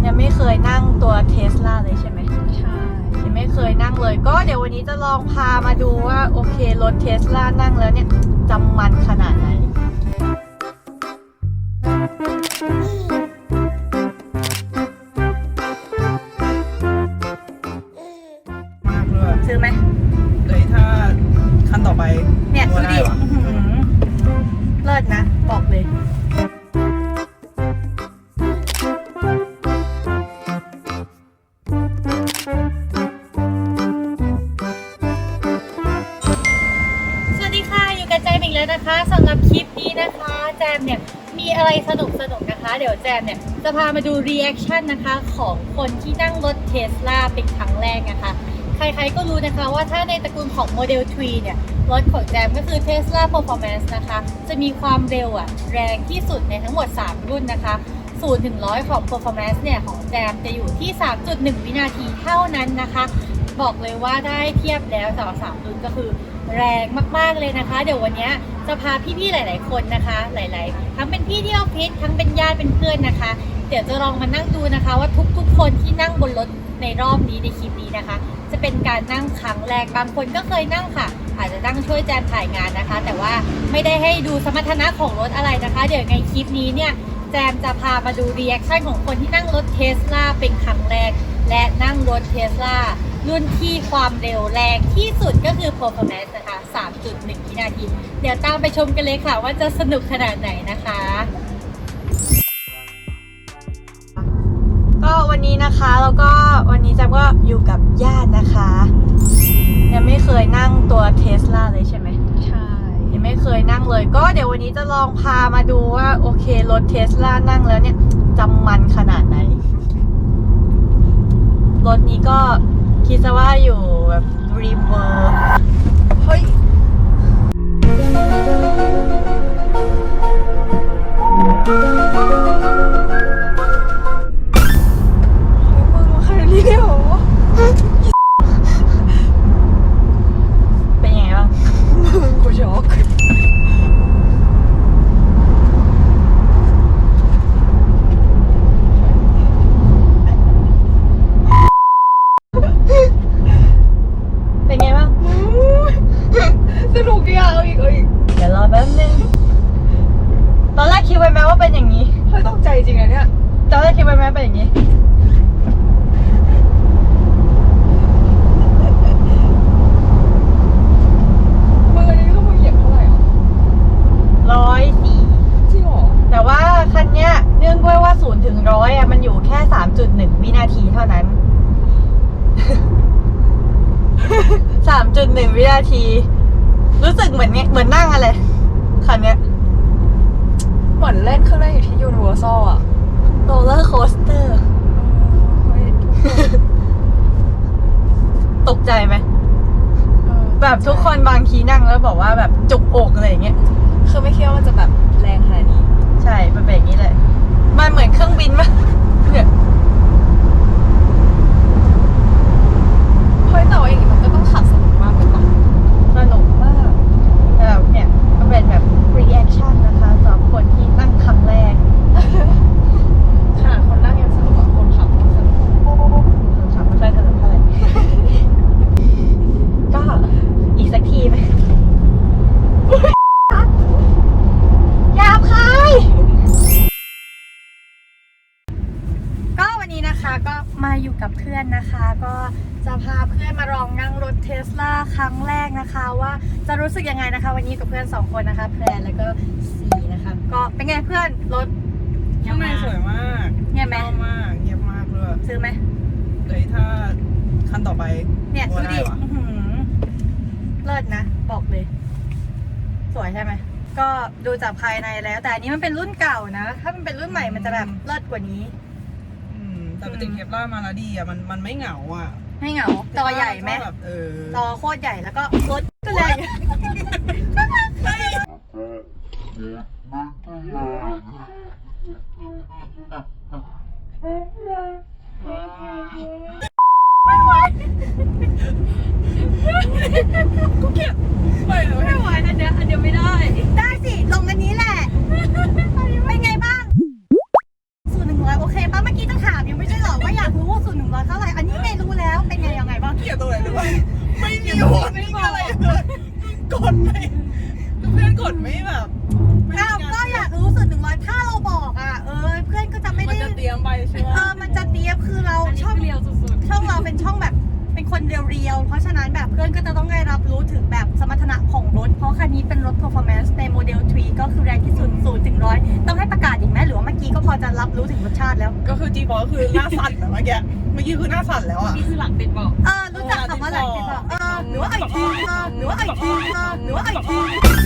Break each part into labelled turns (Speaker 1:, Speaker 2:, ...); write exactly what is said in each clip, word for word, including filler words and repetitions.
Speaker 1: ยังไม่เคยนั่งตัวเทสลาเลยใช่ไหม
Speaker 2: ใช่
Speaker 1: ยังไม่เคยนั่งเลยก็เดี๋ยววันนี้จะลองพามาดูว่าโอเครถเทสลานั่งแล้วเนี่ยจำมันขนาดไหน
Speaker 2: มากเลย
Speaker 1: ซื้อไหม
Speaker 2: เลยถ้าคันต่อไป
Speaker 1: เนี่ยดูดิเลิศนะบอกเลยนะคะสำหรับคลิปนี้นะคะแจมเนี่ยมีอะไรสนุกสนุกนะคะเดี๋ยวแจมเนี่ยจะพามาดูรีแอคชั่นนะคะของคนที่นั่งรถเทสลาเป็นครั้งแรกนะคะใครๆก็รู้นะคะว่าถ้าในตระกูลของโมเดลทรีเนี่ยรถของแจมก็คือ Tesla Performance นะคะจะมีความเร็วอะแรงที่สุดในทั้งหมดสามรุ่นนะคะศูนย์ถึงร้อยของ Performance เนี่ยของแจมจะอยู่ที่ สามจุดหนึ่ง วินาทีเท่านั้นนะคะบอกเลยว่าได้เทียบแล้วสำหรับสามรุ่นก็คือแรงมากๆเลยนะคะเดี๋ยววันนี้จะพาพี่ๆหลายๆคนนะคะหลายๆทั้งเป็นพี่ที่ออฟฟิศทั้งเป็นญาติเป็นเพื่อนนะคะเดี๋ยวจะลองมานั่งดูนะคะว่าทุกๆคนที่นั่งบนรถในรอบนี้ในคลิปนี้นะคะจะเป็นการนั่งครั้งแรกบางคนก็เคยนั่งค่ะอาจจะนั่งช่วยแจมถ่ายงานนะคะแต่ว่าไม่ได้ให้ดูสมรรถนะของรถอะไรนะคะเดี๋ยวในคลิปนี้เนี่ยแจมจะพามาดูรีแอคชั่นของคนที่นั่งรถเทสลาเป็นครั้งแรกและนั่งรถเทสลารุ่นที่ความเร็วแรงที่สุดก็คือ Performance นะคะ สามจุดหนึ่ง วินาทีเดี๋ยวตามไปชมกันเลยค่ะว่าจะสนุกขนาดไหนนะคะก็วันนี้นะคะแล้วก็วันนี้แจมก็อยู่กับญาตินะคะยังไม่เคยนั่งตัวเทสลาเลยใช่ไหม
Speaker 2: ใช่
Speaker 1: ยังไม่เคยนั่งเลยก็เดี๋ยววันนี้จะลองพามาดูว่าโอเครถเทสลานั่งแล้วเนี่ยจำมันขนาดไหนรถนี้ก็คิดซะว่าอยู่แบบรีมเวอร์เฮ้ยมึงมาใครเรียกเป็นยังไงบ้างมึงกูช็อกสนุกดีอ่ะเอาอีกเอาอีกเดี๋ยวรอแป๊บนึงตอนแรกคิดไว้ไหมว่าเป็นอย่างนี้
Speaker 2: เฮ้ยต้องใจจริงอะเนี่ย
Speaker 1: ตอนแรกคิดไว้ไหมเป็นอย่างนี้
Speaker 2: มือนี้ต้องมาเหยียบเท่าไหร่อ่ะ
Speaker 1: ร้อยสี่
Speaker 2: จริงเหรอ
Speaker 1: แต่ว่าคันเนี้ยเนื่องด้วยว่าศูนย์ถึงร้อยอ่ะมันอยู่แค่สามจุดหนึ่งวินาทีเท่านั้น สามจุดหนึ่งวินาทีรู้สึกเหมือนเนี้ยเหมือนนั่งอะไรคันเนี้ย
Speaker 2: เหมือนเล่นเครื่องเล่นอยู่ที่ยูนิเวอร์แซลอะ
Speaker 1: โรลเลอร์โคสเตอร์ตกใจไหมแบบทุกคนบางทีนั่งแล้วบอกว่าแบบจุกอกอะไรอย่างเงี้ย
Speaker 2: คือไม่คิดว่ามันจะแบบแรงขนาดนี้
Speaker 1: ใช่มันเป็นอย่างนี้เลยมันเหมือนเครื่องบินมั้ยเนี่ย
Speaker 2: เฮ้ยแต่ว่าอย่างนี้มันก็ต้องขับสนุกมากเลยป่ะ
Speaker 1: สนุกมากแต่แบบเนี่ยก็เป็นแบบ reaction นะคะสำหรับคนที่นั่งครั้งแรก
Speaker 2: ขนาดคนนั่งยังสนุกกว่าคนขับสนุก
Speaker 1: คนขับไม่ค่อยสนุกเท่าไหร่ก็อีกสักทีไหมหยาบคายก็วันนี้นะคะก็มาอยู่กับเพื่อนนะคะก็จะพาเพื่อนมาลองนั่งรถเทสลาครั้งแรกนะคะว่าจะรู้สึกยังไงนะคะวันนี้กับเพื่อนสองคนนะคะแพรแล้วก็สีนะคะก็เป็นไงเพื่อนรถ
Speaker 2: ข้างในสวยมาก
Speaker 1: เงียบไหม
Speaker 2: มากเงียบมากเลย
Speaker 1: ซื้อไหม
Speaker 2: เลยถ้าคันต่อไป
Speaker 1: เนี่ยดูดิเลิศนะบอกเลยสวยใช่ไหมก็ดูจากภายในแล้วแต่อันนี้มันเป็นรุ่นเก่านะถ้ามันเป็นรุ่นใหม่มันจะแบบเลิศกว่านี้
Speaker 2: แต่ปกติเทสลามาแล้วดีอ่ะมันมันไม่เหงาอ่ะ
Speaker 1: ไม่เหงาจอใหญ่ไหมจอโคตรใหญ่แล้วก็รถก็แรงไม่ไหวกูเก็บไม่ไม่ไหวอันเดียวอันเดียวไม่ได้ได้สิลงอันนี้แหละเป็นไงบ้างศูนย์หนึ่งร้อยโอเคป่ะเมื่อกี้จะถามยังไม่ใช่
Speaker 3: กดไม่แบบไม่
Speaker 1: อ้าวก็อยากรู้สึกหนึ่งร้อยถ้าเราบอกอ่ะเออเพื่อนก็จะไม่
Speaker 3: มัน
Speaker 1: ได้
Speaker 3: จะเตรียมไปใช่ไหม
Speaker 1: เออมันจะเตรียมคือเราช่อง
Speaker 2: เรียวสุด
Speaker 1: ช่องเราเป็นช่องแบบเป็นคนเรียวๆ เพราะฉะนั้นแบบเพื่อนก็จะต้องได้รับรู้ถึงแบบสมรรถนะของรถ เพราะคันนี้เป็นรถ performance ในโมเดลทรีก็คือแรงที่สุดศูนย์ถึงร้อยต้องให้ประกาศอีกไหมหรือว่าเมื่อกี้ก็พอจะรับรู้ถึงรสชาติแล้ว
Speaker 3: ก็คือจีบอก็คือหน้าสั่นแบบเมื่อกี้เมื่อกี้คือหน้าสั่นแล้วอ่ะ
Speaker 2: นี่คือหลังติดบอก
Speaker 1: เออรู้จักคำว่าหลังติดต่อเออหรือว่าไอทีเออหรือว่าไอทีเออหรือว่าไอที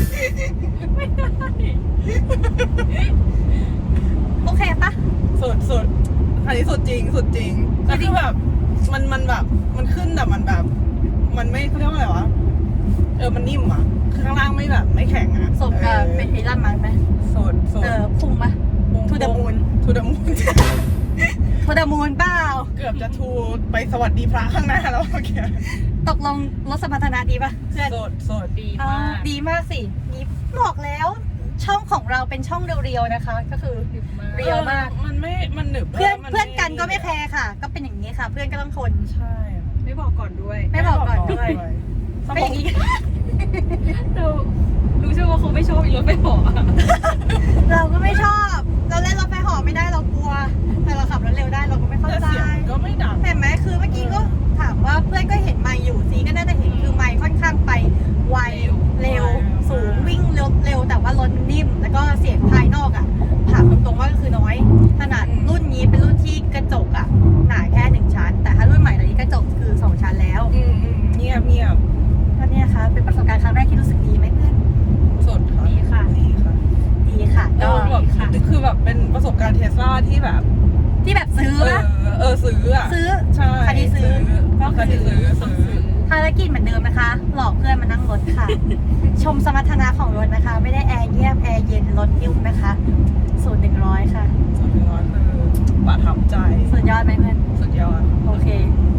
Speaker 1: โอเคปะ
Speaker 3: สุดสุดอันนี้สุดจริงสุดจริงแต่คือแบบมันมันแบบมันขึ้นแต่มันแบบ มันไม่เขาเรียกว่าอะไรวะเออมันนิ่มอ่ะคือข้างล่างไม่แบบไม่แข็งอ่ะ
Speaker 1: สมกับเป็นไอรอนมันไหม
Speaker 3: สุดสุด
Speaker 1: เออพุ่งปะ To the moon
Speaker 3: ทูดมูน
Speaker 1: โทดามูนเปล่า
Speaker 3: เกือบจะทูไปสวัสดีพระข้างหน้าแล้วเมื่อกี้
Speaker 1: ตกลงรถสมรรถนะดีปะเพื่อน
Speaker 3: สุดสุด
Speaker 2: ดี
Speaker 1: เอ
Speaker 2: มา
Speaker 1: อก ดีมากสินี่บอกแล้ว ช่องของเราเป็นช่องเรียวๆนะคะ ก็คือ เรียวมาก
Speaker 3: มันไม่มันหนึบ
Speaker 1: เพื่อน
Speaker 3: มั
Speaker 1: เพื่อนกันก็ไม่แคร์ค่ะ ก็เป็นอย่างนี้ค่ะ เพื่อนก็ต้องทน
Speaker 3: ใช่
Speaker 2: ไม่บอกก่อนด้วย
Speaker 1: ไม่บอกก่อนด้วย
Speaker 3: ส
Speaker 1: เป็น
Speaker 3: ม
Speaker 1: อ
Speaker 3: อง
Speaker 1: ย่างนี้
Speaker 2: เรารู้ใช่ว่าคงไม่ชอบอีรถไปบอกอะ
Speaker 1: เราก็ไม่ชอบ เราเล่นรถไฟเหอไม่ได้เรากลัว แต่เราขับรถเร็วได้เราก็ไม่เข้า
Speaker 3: แต่
Speaker 1: ใจ
Speaker 3: เสียงก็ไม่ดัง
Speaker 1: เห็นไหมคือเมื่อกี้ก็ถามว่าเพื่อนก็เห็นไมค์อยู่ซีก็น่าจะเห็นคือไมค์ค่อนข้างไปไวเร็วสูงวิ่งเร็วเร็วแต่ว่ารถนิ่ม แล้วก็เสียงภายนอกอ่ะถามตรงๆว่าก็คือน้อยขนาดรุ่นนี้เป็นรุ่นที่กระจกอ่ะหนาแค่หนึ่งชั้น แต่ถ้ารุ่นใหม่ตอนนี้กระจกคือสองชั้นแล้ว
Speaker 3: อืมอืมเงียบเงียบ
Speaker 1: ก็เนี่ยค่ะเป็นประสบการณ์ครั้งแรกที่รู้สึกดีไหมเพื่อน
Speaker 3: สุดค่ะ
Speaker 2: ดีค่ะ
Speaker 3: ดีค่ะ
Speaker 1: ดีค่ะ
Speaker 3: เอ
Speaker 1: ก็
Speaker 3: อแบบคือแบบเป็นประสบการณ์เทสลาที่แบบ
Speaker 1: ที่แบบซื้อ
Speaker 3: เออ
Speaker 1: ปะ
Speaker 3: เออซื้ออ่ะ
Speaker 1: ซื้อ
Speaker 3: ใช่
Speaker 1: คันนี้ซื้อก็
Speaker 3: คัน
Speaker 1: คื
Speaker 3: นี้
Speaker 1: อ
Speaker 3: ซื้อซื้อ
Speaker 1: ภารกิจเหมือนเดิมนะคะ หลอกเพื่อนมานั่งรถค่ะ ชมสมรรถนะของรถนะคะ ไม่ได้แอร์เงียบแอร์เย็นรถนิ่มนะคะศูนย์หนึ่งร้อยค่ะ
Speaker 3: สุดยอดคือประทับใจ
Speaker 1: สุดยอดไหมเพื่อน
Speaker 3: สุดยอด
Speaker 1: โอเค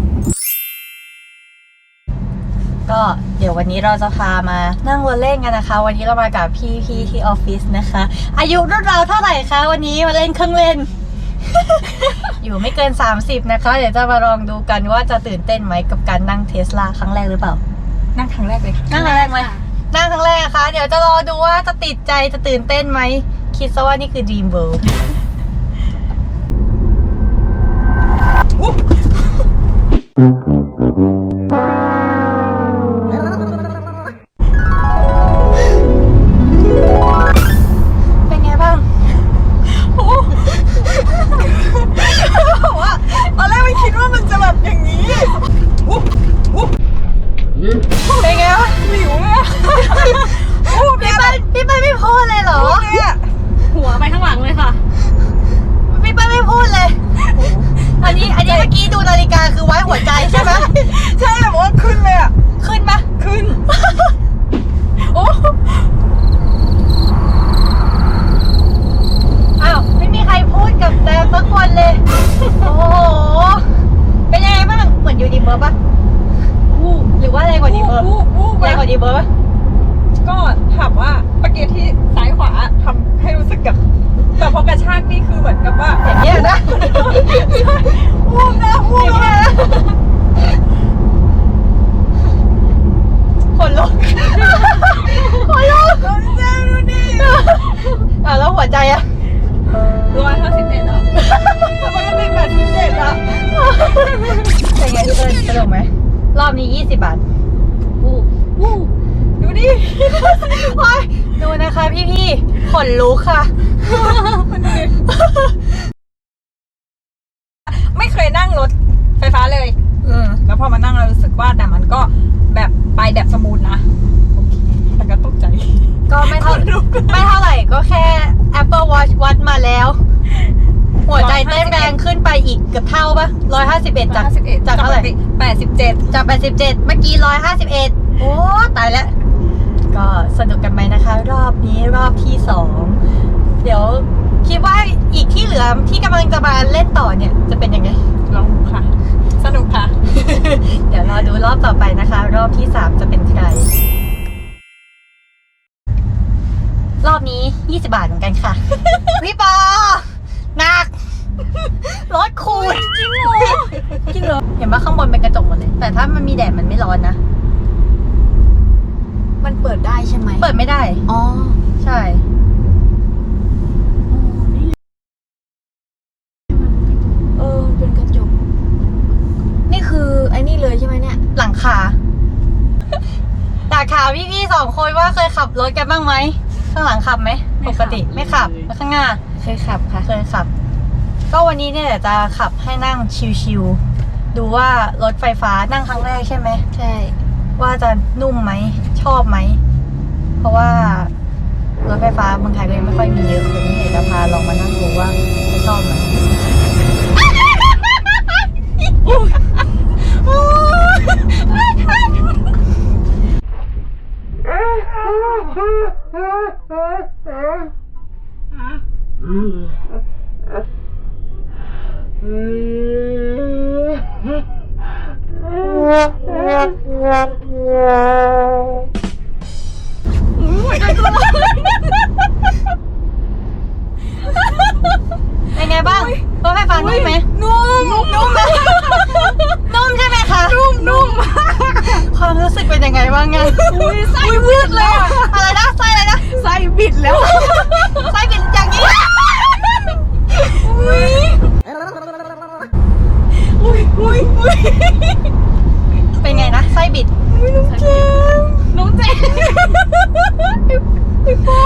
Speaker 1: ก็เดี๋ยววันนี้เราจะพามานั่งรถเล่นกันนะคะ วันนี้เรามากับพี่พี่ที่ออฟฟิศนะคะ อายุรุ่นเราเท่าไหร่คะวันนี้มาเล่นเครื่องเล่น อยู่ไม่เกินสามสิบนะคะ เดี๋ยวจะมาลองดูกันว่าจะตื่นเต้นไหมกับการนั่งเทสลาครั้งแรกหรือเปล่า
Speaker 2: นั่งครั้งแรกเลยค่ะ
Speaker 1: นั่งครั้งแรกไหมนั่งครั้งแรกนะคะ เดี๋ยวจะรอดูว่าจะติดใจจะตื่นเต้นไหม คิดซะว่านี่คือ Dream World เป็นไงบ้างว่าตอนแรกไม่คิดว่ามันจะแบบอย่างนี้เป็นไงวะหิวเลยพี่เปิ้ลพี่เปิ้ลไม่พูดเลยเหรอ
Speaker 2: หัวไปข้างหลังเลยค่ะ
Speaker 1: พี่เปิ้ลไม่พูดเลย อันนี้อันนี้เมื่อกี้ดูนาฬิกาคือไว้หัวใจใช่ไหมใช่แบบว่าขึ้นเลยอ่ะ ขึ้นปะขึ้น โอ้อ้าวไม่มีใครพูดกับแจมสักคนเลย โอ้โห เป็นยังไงบ้าง เหมือนยูนิเบิร์ปะหรือว่าแรงกว่าดีเบิร์ปแรงกว่าดีเบิร์ป
Speaker 2: ก็ถามว่าเมื่อกี้ที่ซ้ายขวาทำให้รู้สึกกับแต่พอกระชากนี่คือเหมือนกับว่า
Speaker 1: อย่างเงี้ยนะวูบนะวูบนะคนลุกคนลุกเจ๊ดูดิอ่ะแล้วหัวใจอะ
Speaker 2: ร้อยห้าสิบเอ็ดอ่ะ
Speaker 1: ทำไมมันเป็นแบบพิเศษอะเป็นไงทุกคนสนุกไหมรอบนี้ยี่สิบบาทวูบวูบดูดิโอ้ยดูนะคะพี่ๆขนลุกค่ะ
Speaker 2: ไม่เคยนั่งรถไฟฟ้าเลย
Speaker 1: อืม
Speaker 2: แล้วพอมานั่งเรารู้สึกว่าแต่มันก็แบบไปแบบสมูทนะโอเคแต่ก็ตกใจ
Speaker 1: ก็ไม่เท่าไม่เท่าไหร่ก็แค่ Apple Watch วัดมาแล้ว หัวใจเต้นแรงขึ้นไปอีกเกือบเท่าปะร้อยห้าสิบเอ็ดจากจากเท่าไหร่
Speaker 2: แปดสิบเจ็ด
Speaker 1: จากแปดสิบเจ็ดเมื่อกี้ร้อยห้าสิบเอ็ดโอ้ตายแล้ว ก็สนุกกันไหมนะคะ รอบนี้รอบที่สองเดี๋ยวคิดว่าอีกที่เหลือที่กำลังจะมาเล่นต่อเนี่ยจะเป็นยังไง
Speaker 2: ลองดูค่ะ สนุกค่ะ
Speaker 1: เดี๋ยวรอดูรอบต่อไปนะคะ รอบที่สามจะเป็นใคร รอบนี้ยี่สิบบาทเหมือนกันค่ะ พี่ปอหนักรถคูณจริงเหรอจริงเหรอเห็นว่าข้างบนเป็นกระจกหมดเลย แต่ถ้ามันมีแดดมันไม่ร้อนนะ
Speaker 4: มันเปิดได้ใช่ไหม
Speaker 1: เปิดไม่ได้
Speaker 4: อ๋อ
Speaker 1: ใช่
Speaker 4: เออเป็นกระจกนี่คือไอ้นี่เลยใช่ไหมเนี่ย
Speaker 1: หลังคาอยากถามพี่ๆสองคนว่าเคยขับรถกันบ้างไหมข้างหลังขับไหมปกติไม่ขับแล้วข้างหน้า
Speaker 4: เคยขับค่ะ
Speaker 1: เคยขับ ก็วันนี้เนี่ยเดี๋ยวจะขับให้นั่งชิวๆดูว่ารถไฟฟ้านั่งครั้งแรกใช่ไหม
Speaker 4: ใช่
Speaker 1: ว่าจะนุ่มไหมชอบไหมเพราะว่ารถไฟฟ้าเมืองไทยก็ยังไม่ค่อยมีเยอะวันนี้เดี๋ยวจะพาลองมานั่งดูว่าจะชอบไหม เป็นไงบ้างรถไฟฟ้านุ่มไหมนุ่มนุ่มไหมนุ่มใช่ไหมคะนุ่มนุ่มความรู้สึกเป็นยังไงบ้างไงอุ้ยไส้วืดเลยอะอะไรนะไส้อะไรนะไส้บิดแล้วไส้บิดอย่างนี้อุ้ยอุ้ยอุ้ยอุ้ยเป็นไงนะไส้บิดน้องเจมน้องเจมพี่ปอ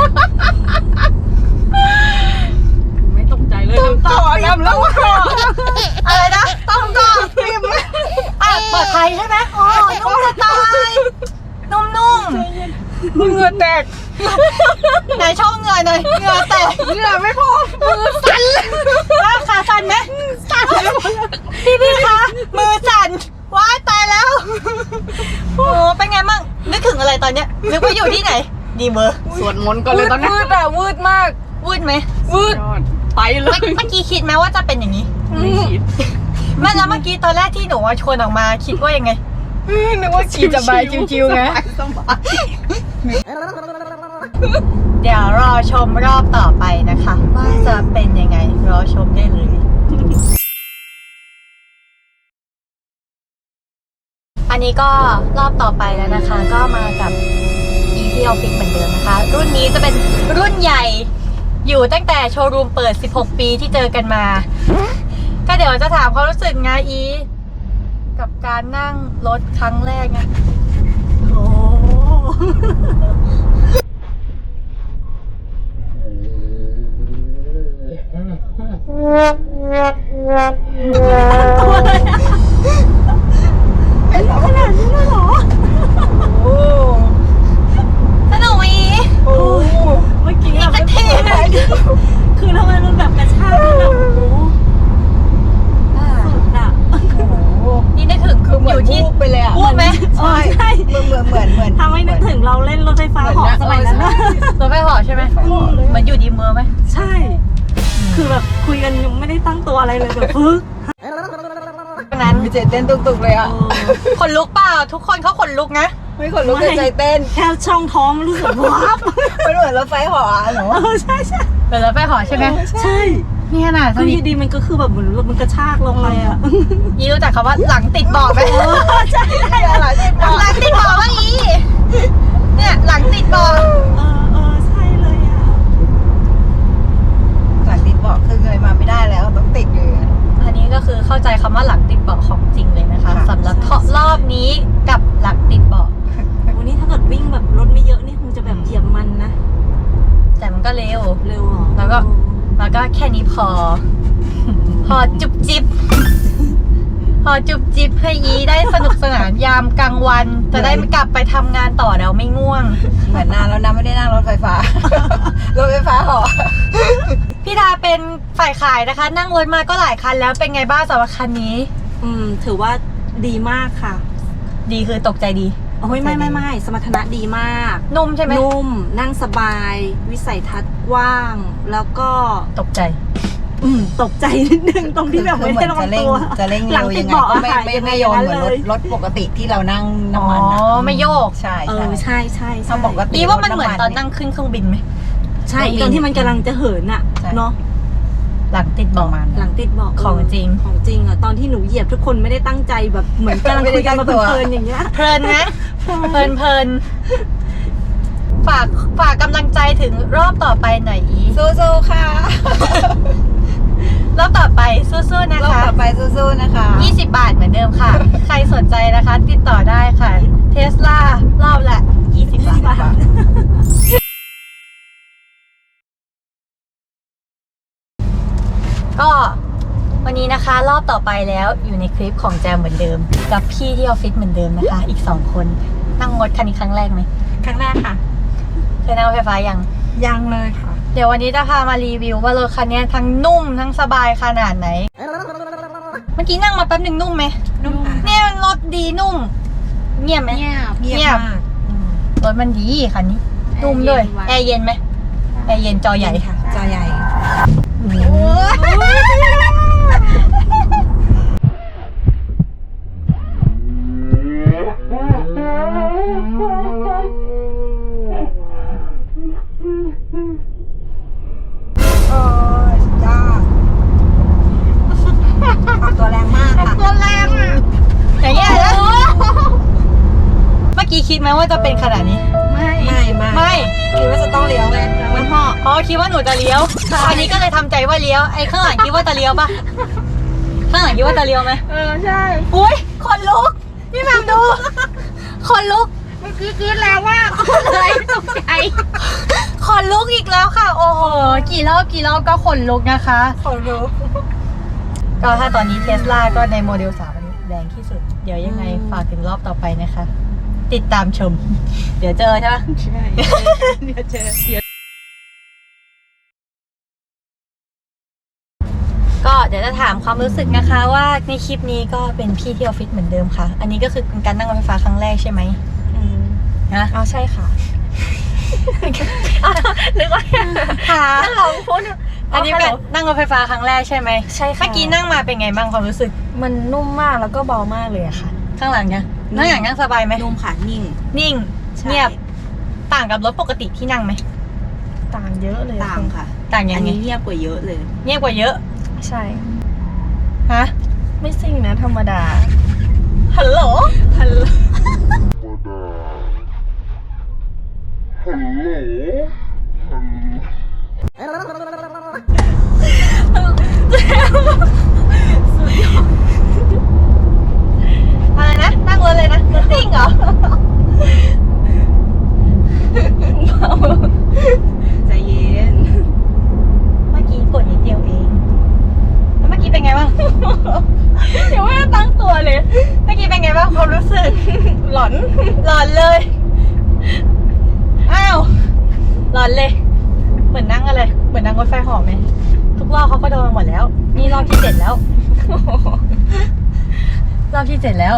Speaker 2: ไม่ตกใจเลย
Speaker 1: ต้องต่อน้ำแล้วอะไรนะต้องต่ออ่ะปลอดภัยใช่ไหมอ๋อนุ่มจะตายนุ่มๆ
Speaker 2: เหงื่อแตก
Speaker 1: ไหนช่องเหงื่อหน่อยเหงื่อแตก
Speaker 2: เหงื่อไม่พอ
Speaker 1: มือสั่นว่าขาสั่นไหมสั่นพี่พี่คะมือสั่นว้ายตายแล้วโอ้เป็นไงมั่งนึกถึงอะไรตอนเนี้ยนึกว่าอยู่ที่ไหนดีเบอร์
Speaker 2: สวดมนต์ก่อนเลยตอนนี้วืดอะวืดมาก
Speaker 1: วืดไหม
Speaker 2: วืดไปเล
Speaker 1: เมื่อย เมื่อกี้คิดไหมว่าจะเป็นอย่างนี้
Speaker 2: ไม่คิด
Speaker 1: แม่แล้วเมื่อกี้ตอนแรกที่หนูว่าชวนออกมาคิดว่ายังไง
Speaker 2: นึกว่าขี่สบายชิวๆไง
Speaker 1: เดี๋ยวรอชมรอบต่อไปนะคะ ว่าจะเป็นยังไงรอชมได้เลย อันนี้ก็รอบต่อไปแล้วนะคะ ก็มากับ อี พี Office เหมือนเดิมนะคะ รุ่นนี้จะเป็นรุ่นใหญ่อยู่ตั้งแต่โชว์รูมเปิดสิบหกปีที่เจอกันมา ก็เดี๋ยวจะถามความรู้สึกนะอีกับการนั่งรถครั้งแรกไงโอ้เป็นขนาดนี้เลยเหรอโอ้สนุกไหมอี
Speaker 2: โอ้เมื่อกี้
Speaker 1: อีกสักที
Speaker 2: คือทำไมมันแบบกระชากแบบโอ้โหสุดอะ
Speaker 1: นี่นึกถึงคืออยู่ที่
Speaker 3: ไปเลยอ่ะ
Speaker 1: พูดไหม
Speaker 3: ใช่เหมือนเหมือนเหมือนเหมือน
Speaker 2: ทำให้นึกถึงเราเล่นรถไฟฟ้าเหาะสมัยนั้นนะ
Speaker 1: รถไฟเหาะใช่ไหมเหมือนอยู่ดีเมอร์ไหม
Speaker 2: ใช่ คือแบบคุยกันยังไม่ได้ตั้งตัวอะไรเลยแบบพึ่ง
Speaker 1: นั้น
Speaker 3: มีใจเต้นตุกๆเลยอ่ะ
Speaker 1: ขนลุกเปล่าทุกคนเขาขนลุกนะ
Speaker 3: ไม่ขนลุกแต่ใจเต้น
Speaker 2: แค่ช่องท้องรู้สึกว้าบ
Speaker 3: มันเหมือนรถไฟเหาะหนู
Speaker 2: เออใช่ใช่
Speaker 1: เป็นรถไฟเหาะใช่ไหม
Speaker 2: ใช่
Speaker 1: นี่ขนาด
Speaker 2: คื
Speaker 1: เท่า
Speaker 2: อ
Speaker 1: นี้
Speaker 2: ดีมันก็คือแบบเหมือนรถมันกระชากลงไปอ่ะ
Speaker 1: ยีรู้จักคำว่าหลังติดเบาะไหม
Speaker 2: ใช่ใช่
Speaker 3: อะไรที่บอก
Speaker 1: หลังติดเบาะว่าอีเนี่ยหลังติดเบาะ
Speaker 2: เออเออใช่เลยอ่ะ
Speaker 3: จากติดบอกคือเงยมาไม่ได้แล้วต้องติดอยู่
Speaker 1: อันนี้ก็คือเข้าใจคำว่าหลังติดเบาะของจริงเลยนะคะ
Speaker 3: ค่ะ
Speaker 1: สำหรับรอบนี้กับหลังติดเบาะ
Speaker 2: วันนี้ถ้าเกิดวิ่งแบบรถไม่เยอะนี่คงจะแบบเหยียบมันนะ
Speaker 1: แต่มันก็เร็ว
Speaker 2: เร็วเหรอ
Speaker 1: แล้วก็ แล้วก็แค่นี้พอ พอจุบจิบ พอจุบจิบให้อีได้สนุกสนานยามกลางวัน จะได้ไม่กลับไปทำงานต่อแล้วไม่ง่วง
Speaker 3: เหมือนนานแล้วนะไม่ได้นั่งรถไฟฟ้า รถไฟฟ้าเหาะ
Speaker 1: พี่ดาเป็นฝ่ายขายนะคะ นั่งรถมาก็หลายคันแล้วเป็นไงบ้างสำหรับคันนี้
Speaker 2: อืมถือว่าดีมากค่ะ
Speaker 1: ดีคือตกใจดี
Speaker 2: โอ้ยไม่ไม่ไม่สมรรถนะดีมาก
Speaker 1: นุ่มใช่ไหม
Speaker 2: นุ่มนั่งสบาย วิสัยทัศน์กว้าง แล้วก็
Speaker 1: ตกใจ
Speaker 2: อืมตกใจนิดนึงตรงที่แบบไม่ได้ระวังตัว
Speaker 3: จะเร่ง
Speaker 2: หลั
Speaker 3: เร็
Speaker 2: ง
Speaker 3: ว
Speaker 2: ติ
Speaker 3: ยั
Speaker 2: ด
Speaker 3: งไง
Speaker 2: เบาะ
Speaker 3: ก็
Speaker 2: อะ
Speaker 3: ไม่
Speaker 2: ค่ะ
Speaker 3: ไม่
Speaker 2: ยังไง
Speaker 3: ไม่โยนเหมือนรถ
Speaker 2: เลย
Speaker 3: รถปกติที่เรานั่ง
Speaker 1: อ๋อ
Speaker 3: น้ำมันอะ
Speaker 1: ไม่โยก
Speaker 3: ใช่
Speaker 2: เอ
Speaker 3: ใช่
Speaker 2: อใช่ใช่ใช่
Speaker 3: ถ้าปกติ
Speaker 1: อีว่ามันเหมือนตอนนั่งขึ้นเครื่องบินไหม
Speaker 2: ใช่ตอนที่มันกำลังจะเหินอะ
Speaker 3: ใช่
Speaker 2: เนาะ
Speaker 1: หลังติด
Speaker 3: ป
Speaker 1: เบาะ
Speaker 3: ระมาณ
Speaker 2: หลั
Speaker 3: นั้น
Speaker 2: งติดเบาะ
Speaker 1: ของจริง
Speaker 2: ของจริงอะตอนที่หนูเหยียบทุกคนไม่ได้ตั้งใจแบบเหมือนกำลังคุยกันมาเพลินๆอย่างเงี้ย
Speaker 1: เพลินนะเพลินเพลินฝากฝากกำลังใจถึงรอบต่อไปหน่อยอี
Speaker 2: สู้ๆค่ะ
Speaker 1: รอบต่อไปสู้ๆนะ
Speaker 2: รอบ
Speaker 1: คะ
Speaker 2: ต่อไปสู้ๆนะคะ
Speaker 1: ยี่สิบบาทเหมือนเดิมค่ะ ใครสนใจนะคะ ติดต่อได้ค่ะ เทสลารอบละยี่สิบบาท ก็วันนี้นะคะรอบต่อไปแล้วอยู่ในคลิปของแจมเหมือนเดิม กับพี่ที่ออฟฟิศเหมือนเดิมนะคะ อีกสองคนนั่งรถคันนี้ครั้งแรกไหม
Speaker 2: ครั้งแรกค่ะ
Speaker 1: เคยนั่งรถไฟฟ้ายัง
Speaker 2: ยังเลยค่ะ
Speaker 1: เดี๋ยววันนี้จะพามารีวิวว่ารถคันนี้ทั้งนุ่มทั้งสบายขนาดไหน เมื่อกี้นั่งมาแป๊บหนึ่งนุ่มไหม
Speaker 2: นุ่มค่ะ
Speaker 1: เนี่ยมันรถดีนุ่ม เงียบไหม
Speaker 2: เงียบ
Speaker 1: เงียบ
Speaker 2: มาก
Speaker 1: รถมันดีคันนี้นุ่มด้วย
Speaker 2: แอร์เย็นไว้
Speaker 1: แอร์เย็นไหมแอร์เย็นจอใหญ่
Speaker 2: ค่ะจอใหญ่
Speaker 1: โอ้ย
Speaker 2: โอ้ยจ้าออกตัวแรงมากค่ะ
Speaker 1: ตัวแรงอ่ะอย่างเงี้ยนะเมื่อกี้คิดไหมว่าจะเป็นขนาดนี้
Speaker 2: ไม่ไม่ไม่
Speaker 1: ไม่
Speaker 2: คิดว่าจะต้องเลี้ยวไงมันห่อ
Speaker 1: อ๋อคิดว่าหนูจะเลี้ยว อันนี้ก็เลยทำใจว่าเลี้ยว ไอ้ข้างหลังคิดว่าจะเลี้ยวปะข้างหลังคิดว่าจะเลี้ยวไหม
Speaker 2: เออใช่
Speaker 1: อุ้ยขนลุกพี่แหมมดูขนลุก
Speaker 2: เมื่อกี้กรี๊ดแล้วว่าเลยตกใจ
Speaker 1: ขนลุกอีกแล้วค่ะ โอ้โหกี่รอบกี่รอบก็ขนลุกนะคะ
Speaker 2: ขนลุก
Speaker 1: ก็ถ้าตอนนี้เทสลาก็ในโมเดลสามอันนี้แรงที่สุด เดี๋ยวยังไงฝากถึงรอบต่อไปนะคะ ติดตามชม เดี๋ยวเจอใช่ไหม
Speaker 2: ใช่เดี๋ยวเจอเดี๋ยว
Speaker 1: ก็เดี๋ยวจะถามความรู้สึกนะคะ ว่าในคลิปนี้ก็เป็นพี่ที่ออฟฟิศเหมือนเดิมค่ะ อันนี้ก็คือเป็นการนั่งรถไฟฟ้าครั้งแรกใช่ไหม
Speaker 2: อืม
Speaker 1: นะ
Speaker 2: อ๋อใช่ค่ะนึกว่า
Speaker 1: ค่ะ
Speaker 2: ลองพูด
Speaker 1: อันนี้เป็นนั่งรถไฟฟ้าครั้งแรกใช่ไหม
Speaker 4: ใช่ค่ะ
Speaker 1: เมื่อกี้นั่งมาเป็นไงบ้างความรู้สึก
Speaker 4: มันนุ่มมากแล้วก็เบามากเลยอะค่ะ
Speaker 1: ข้างหลังเนี่ยนั่งอย่างนั่งสบายไหม
Speaker 2: นุ่มค่ะนิ่ง
Speaker 1: นิ่ง
Speaker 2: ใช่
Speaker 1: เงียบต่างกับรถปกติที่นั่งไหม
Speaker 4: ต่างเยอะเลย
Speaker 2: ต่างค่ะ
Speaker 1: ต่างยั
Speaker 2: อั
Speaker 1: ง
Speaker 2: น
Speaker 1: ไง
Speaker 2: นี้เงียบกว่าเยอะเลย
Speaker 1: เงียบกว่าเยอะ
Speaker 4: ใช่
Speaker 1: ฮะ
Speaker 4: ไม่ซิ่งนะธรรมดา
Speaker 1: ฮัลโหล
Speaker 2: ฮัลโหล
Speaker 1: อะไรนะนั่งรถเลยนะรถซิ่งเหรอ
Speaker 2: ใจเย็น
Speaker 1: เมื่อกี้กดนิดเดียวเองแล้วเมื่อกี้เป็นไงบ้าง
Speaker 2: ยังไม่ได้ตั้งตัวเลย
Speaker 1: เมื่อกี้เป็นไงบ้างความรู้สึก
Speaker 2: หลอน
Speaker 1: หลอนเลย อ้าว หลอนเลย เหมือนนั่งอะไร เหมือนนั่งรถไฟเหาะไหม ทุกรอบเขาก็โดนมาหมดแล้ว นี่รอบที่เจ็ดแล้ว รอบที่เจ็ดแล้ว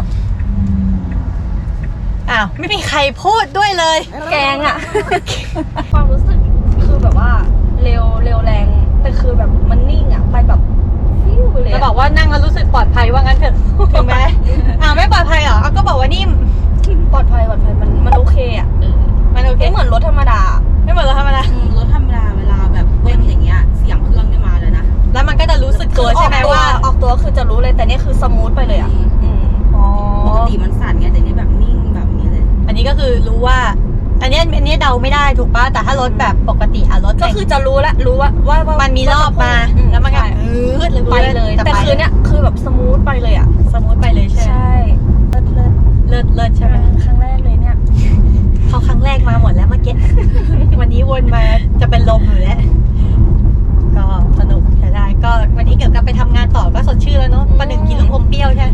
Speaker 1: อ้าว ไม่มีใครพูดด้วยเลย
Speaker 4: แกงอะความรู้สึกคือแบบว่าเร็วเร็วแรง แต่คือแบบมันนิ่งอะไปแบบฟิวไปเลย
Speaker 1: จะ
Speaker 4: อะ
Speaker 1: บอกว่านั่งแล้วรู้สึกปลอดภัยว่างั้นเถอะถึงไหมอ้าวไม่ปลอดภัยเหรออ้าวก็บอกว่านิ่ม
Speaker 4: ปลอดภัยปลอดภัยมันมันโอเคอะเออ
Speaker 1: มันโอเค
Speaker 4: ไม่เหมือนรถธรรมดา
Speaker 1: ไม่เหมือนรถธรรมดา
Speaker 2: อืมรถธรรมดาเวลาแบบเบิ้ลอย่างเงี้ย เสียงเครื่องนี่มาเลยนะ
Speaker 1: แล้วมันก็จะรู้สึกตัวใช่ไหม
Speaker 4: ออก
Speaker 1: ว่า
Speaker 4: ออกตัวคือจะรู้เลยแต่นี่คือสมูทไปเลยอะ
Speaker 2: อืม
Speaker 4: อืม
Speaker 1: อ๋อ
Speaker 2: ปกติมันสั่นไงแต่นี่แบบนิ่งแบบนี้เลย
Speaker 1: อันนี้ก็คือรู้ว่า อันเนี้ยอันเนี้ยเดาไม่ได้ถูกป่ะ แต่ถ้ารถแบบปกติอะรถ
Speaker 4: ก็
Speaker 1: แต่ง
Speaker 4: คือจะรู้แล้วรู้ว่าว่าว่า
Speaker 1: มันมีรอบมา
Speaker 4: อื
Speaker 1: แล้วมันก็
Speaker 4: ใช่
Speaker 1: อืดเลย
Speaker 4: ไปเลย
Speaker 1: จะ
Speaker 4: แต่
Speaker 1: ไป
Speaker 4: คือเนี้ยคือแบบสมูทไปเลยอะ
Speaker 1: สมมติไปเลยใช่ไหม
Speaker 4: ใช่เลิศเลิศ
Speaker 1: เลิศเลิศใช่ไหม
Speaker 4: ครั้งแรกเลยเนี่ย
Speaker 1: เขาครั้งแรกมาหมดแล้วเมื่อกี้ วันนี้วนมาจะเป็นลมอยู่แล้ว ก็สนุกใช้ได้ ก็วันนี้เกี่ยวกับไปทำงานต่อก็สดชื่นแล้วเนาะประหนึ่งกินลูกอมเปรี้ยวใช่ไหม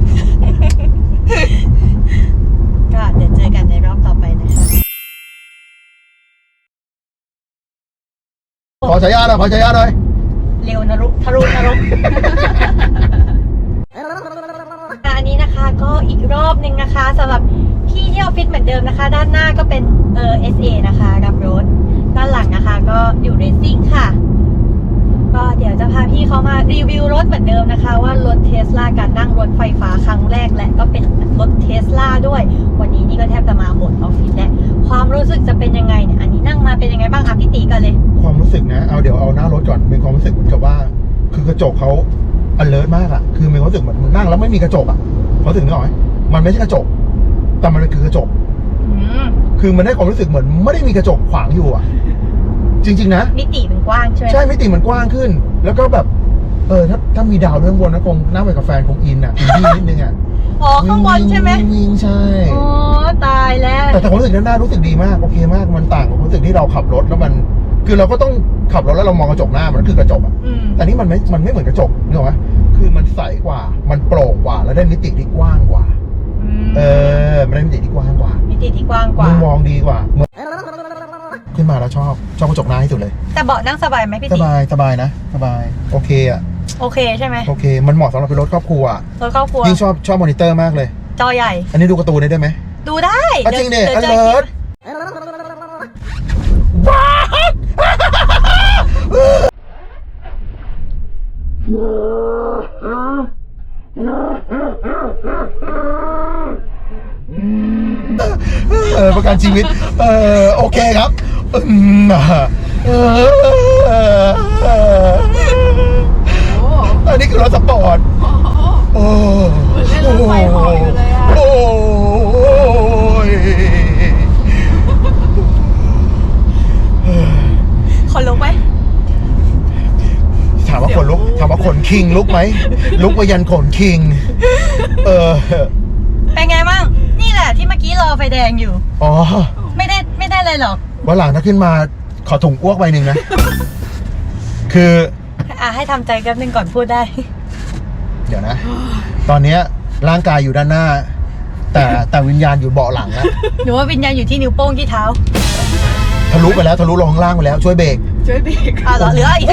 Speaker 1: ก็เดี๋ยวเจอกันในรอบต่อไปนะคะ
Speaker 5: ขอฉายาหน่อยขอฉายาหน่อย
Speaker 1: เร็วนรุทะรุนรก อันนี้นะคะก็อีกรอบหนึ่งนะคะสำหรับพี่ที่ออฟฟิศเหมือนเดิมนะคะ ด้านหน้าก็เป็นเออ เอส เอ นะคะกับรถด้านหลังนะคะก็อยู่เรซซิ่งค่ะ ก็เดี๋ยวจะพาพี่เขามารีวิวรถเหมือนเดิมนะคะ ว่ารถเทสลาการนั่งรถไฟฟ้าครั้งแรกและก็เป็นรถเทสลาด้วย วันนี้นี่ก็แทบจะมาหมดออฟฟิศแล้วความรู้สึกจะเป็นยังไงเนี่ยอันนี้นั่งมาเป็นยังไงบ้างคะพี่ตีก่อนเลย
Speaker 5: ความรู้สึกนะเอาเดี๋ยวเอาหน้ารถก่อนเป็นความรู้สึกเหมือนกับว่า คือกระจกเขา alert มากอะคือมีความรู้สึกเหมือนมึงนั่งแล้วไม่มีกระจกอะเขาถึงนึกออกไหมมันไม่ใช่กระจก แต่มันคือกระจก
Speaker 1: อืม
Speaker 5: คือคือมันได้ความรู้สึกเหมือนไม่ได้มีกระจกขวางอยู่อ่ะ จริงๆนะ
Speaker 4: มิติมันกว้างใช่ไหม
Speaker 5: ใช่มิติมันกว้างขึ้น แล้วก็แบบเออถ้าถ้ามีดาวเรื่องบนนะคงนั่งไปกับแฟนคงอินอ่ะอินดี้นิดนึงอ่ะ
Speaker 4: อ๋อข้างบนใช่ไหม
Speaker 5: วิ่งวิ่งใช่
Speaker 4: อ๋อตายแล้ว
Speaker 5: แต่แต่ความรู้สึกด้านหน้ารู้สึกดีมากโอเคมากมันต่างกับความรู้สึกที่เราขับรถแล้วมัน คือเราก็ต้องขับรถแล้วเรามองกระจกหน้ามันคือกระจกอ่ะ
Speaker 4: อืม
Speaker 5: แต่นี่มันไม่มันไม่เหมือนกระจกนึกออกไหมคือมันใสกว่ามันโปร่งกว่าแล้วได้มิติที่กว้างกว่า
Speaker 4: อืม
Speaker 5: เออมันได้มิติที่กว้างกว่า
Speaker 4: มิติที่กว้างกว่า
Speaker 5: มุมมองดีกว่าเหมือนขึ้นมาแล้วชอบชอบกระจกหน้าที่สุดเลย
Speaker 4: แต่เบาะนั่งสบายไหมพี่
Speaker 5: ส
Speaker 4: ติ
Speaker 5: บายสบายนะสบายโอเคอ่ะ
Speaker 4: โอเคใช่ไหม
Speaker 5: โอเค มันเหมาะสำหรับเป็นรถครอบครัวอะ
Speaker 4: รถครอบครัว
Speaker 5: ยิ่งชอบชอบมอนิเตอร์มากเลย
Speaker 4: จอใหญ่
Speaker 5: อันนี้ดูการ์ตูนได้ด้วยไหม
Speaker 4: ดูได้
Speaker 5: อ่ะจริงดิ
Speaker 4: ดี๋ยว
Speaker 5: อ
Speaker 4: เจ
Speaker 5: เลิ
Speaker 4: อ
Speaker 5: ร์ดว้าวเออประกันชีวิต เออโอเคครับอืมเอออันนี้คือรถสปอร์ต โอ้
Speaker 3: เล่นรถไฟเหาะอยู่เลยอะ
Speaker 5: โอ้ย
Speaker 4: คนลุกไหม
Speaker 5: ถามว่าคนลุกถามว่าขนคิงลุกไหม ลุกไปยันขนคิง เออ
Speaker 4: เป็นไงบ้างนี่แหละที่เมื่อกี้รอไฟแดงอยู่
Speaker 5: อ๋อ
Speaker 4: ไม่ได้ไม่ได้เลยหรอก
Speaker 5: วันหลังถ้าขึ้นมาขอถุงอ้วกใบหนึ่งนะ คือ
Speaker 4: อ่ะให้ทำใจแป๊บนึงก่อนพูดได้
Speaker 5: เดี๋ยวนะ ตอนเนี้ยร่างกายอยู่ด้านหน้า แต่แต่วิญญาณอยู่เบาะหลังนะ
Speaker 4: หนูว่าวิญญาณอยู่ที่นิ้วโป้งที่เท้า
Speaker 5: ทะลุไปแล้วทะลุลงข้างล่างไปแล้วช่วยเบรก
Speaker 3: ช่วยเบรก
Speaker 4: อ่ะเหรอเหลืออีก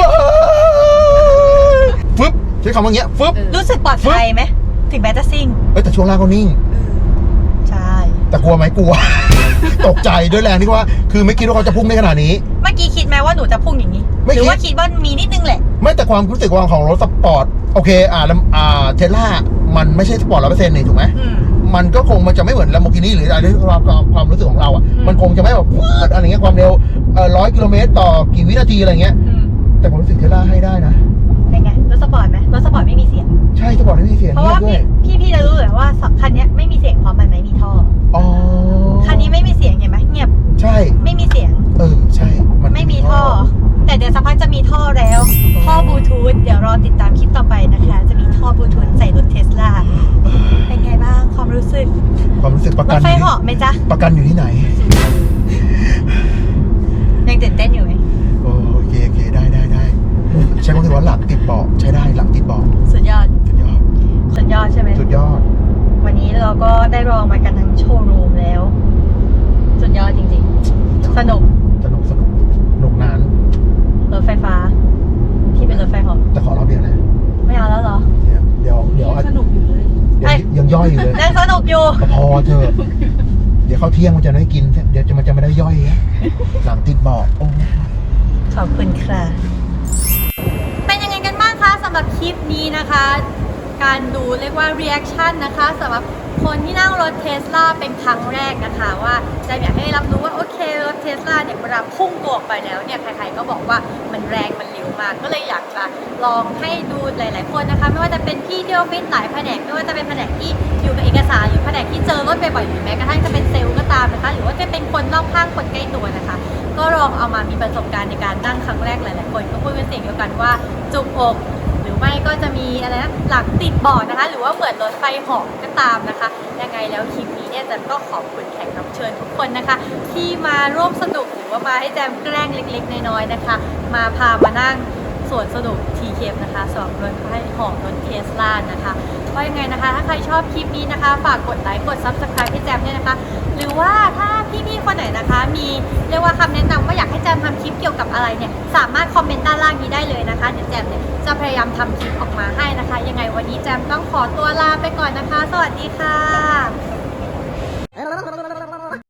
Speaker 5: ฟึบใช้คำว่าอย่างเงี้ยฟึบ
Speaker 4: รู้สึกปลอดภัยไหมถึงแม้จะซิ่ง
Speaker 5: เอ้ยแต่ช่วงล่างเขานิ่ง
Speaker 4: ใช่
Speaker 5: แต่กลัวไหมกลัว ตกใจด้วยแรงที่ว่า คือไม่คิดว่าเขาจะพุ่งได้ขนาดนี้
Speaker 4: เมื่อกี้คิดไหมว่าหนูจะพุ่งอย่างนี้
Speaker 5: ไม่คิด
Speaker 4: หรือว่าคิดว่ามีนิดนึงแหละ
Speaker 5: ไม่แต่ความรู้สึกว่าของรถสปอร์ตโอเคอ่าแล้วอ่าเทสลามันไม่ใช่สปอร์ตร้อยเปอร์เซ็นต์นี่ถูกไหม
Speaker 4: อืม
Speaker 5: มันก็คงมันจะไม่เหมือนลัมโบกินีหรืออะไรที่ความความความรู้สึกของเราอ่ะ
Speaker 4: อืม
Speaker 5: มันคงจะไม่แบบวืดอะไรเงี้ยความเร็วเอ่อร้อยกิโลเมตรต่อกี่วินาทีอะไรเงี้ย
Speaker 4: อืม
Speaker 5: แต่ผมรู้สึกเทสลาให้ได้นะ
Speaker 4: เป็นไงรถสปอร์ตไหมรถสปอร์ตไม่มีเสียง
Speaker 5: ใช่สปอร์ตไม่มีเสียง
Speaker 4: เพราะ
Speaker 5: เงีย
Speaker 4: ว่า
Speaker 5: บด้วย
Speaker 4: พี่พี่พี่จะรู้เลยว่าคันเนี้ยไม่มีเสียงเพราะมันไม่มีท่อ
Speaker 5: อ๋อ
Speaker 4: คันนี้ไม่มีเสียงเห็นไหมเงียบ
Speaker 5: ใช่
Speaker 4: ไม่มีเสียง
Speaker 5: เออใช่น
Speaker 4: ไม่มีท่อ แต่เดี๋ยวสักพักจะมีท่อแล้ว ท่อบลูทูธเดี๋ยวรอติดตามคลิปต่อไปนะคะ จะมีท่อบลูทูธใส่รถเทสลาเป็นไงบ้างความรู้สึก
Speaker 5: ความรู้สึกประ
Speaker 4: ร
Speaker 5: กั
Speaker 4: ถ
Speaker 5: น
Speaker 4: ไฟ
Speaker 5: อยู่
Speaker 4: เหาะไหมจ๊ะ
Speaker 5: ประกันอยู่ที่ไหน
Speaker 4: ยังตื่นเต้นอยู่ไหม
Speaker 5: โอเคโอเคได้ได้ได้ใช้คำว่าหลังติดเบาะใช้ได้หลังติดเบาะ
Speaker 4: สุดยอด
Speaker 5: สุดยอด
Speaker 4: สุดยอดใช่ไหม
Speaker 5: สุดยอด
Speaker 4: วันนี้เราก็ได้ลองมากันทั้งโชว์รูมแล้ว สุดยอดจริงๆ สนุก
Speaker 5: สนุกสนุกสนุกนาน
Speaker 4: รถไฟฟ้า ที่เป็นรถไฟเหาะ
Speaker 5: แต่ขอรอบเดียวนะ
Speaker 4: ไม่เอาแล้วเหรอ
Speaker 5: เดี๋ยวเดี๋ยวเดี๋ยว
Speaker 3: สนุกอยู่เลย
Speaker 5: เดี๋ยวยังย่อยอยู่เลย
Speaker 4: ยังสนุกอยู่
Speaker 5: พอเถอะเดี๋ยวเข้าเที่ยงมันจะไม่กิน เดี๋ยวจะมันจะไม่ได้ย่อยอะหลังติดเบาะโอ้
Speaker 4: ขอบคุณค่ะ
Speaker 1: เป็นยังไงกันบ้างคะสำหรับคลิปนี้นะคะ การดูเรียกว่า reaction นะคะสำหรับคนที่นั่งรถเทสลาเป็นครั้งแรกนะคะว่าจะอยากให้รับรู้ว่าโอเครถเทสลาเนี่ยเวลาพุ่งตัวออกไปแล้วเนี่ยใครๆก็บอกว่ามันแรงมันเร็วมากก็เลยอยากจะลองให้ดูหลายๆคนนะคะไม่ว่าจะเป็นพี่ที่ออฟฟิศหลายแผนกไม่ว่าจะเป็นแผนกที่อยู่กับเอกสารหรือแผนกที่เจอรถบ่อยๆหรือแม้กระทั่งจะเป็นเซลล์ก็ตามนะคะหรือว่าจะเป็นคนรอบข้างคนใกล้ตัวนะคะก็ลองเอามามีประสบการณ์ในการนั่งครั้งแรกหลายๆคนก็พูดเป็นเสียงเดียวกันว่าจุกอกหรือไม่ก็จะมีอะไรนะหลังติดเบาะนะคะหรือว่าเหมือนรถไฟเหาะก็ตามนะคะยังไงแล้วคลิปนี้เนี่ยแจมก็ขอบคุณแขกรับเชิญทุกคนนะคะ ที่มาร่วมสนุกหรือว่ามาให้แจมแกล้งเล็กๆน้อยๆนะคะ มาพามานั่งสวนสนุก ที เค นะคะสำหรับรถไฟเหาะรถเทสลานะคะก็ยังไงนะคะ ถ้าใครชอบคลิปนี้นะคะฝากกดไลค์กด ซับสไครบ์ ให้แจมด้วยนะคะ หรือว่าถ้าพี่ๆคนไหนนะคะ มีเรียกว่าคำแนะนำว่าอยากให้แจมทำคลิปเกี่ยวกับอะไรเนี่ยสามารถคอมเมนต์ด้านล่างนี้ได้เลยนะคะเดี๋ยวแจมเนี่ยจะพยายามทำคลิปออกมาให้นะคะ ยังไงวันนี้แจมต้องขอตัวลาไปก่อนนะคะ สวัสดีค่ะ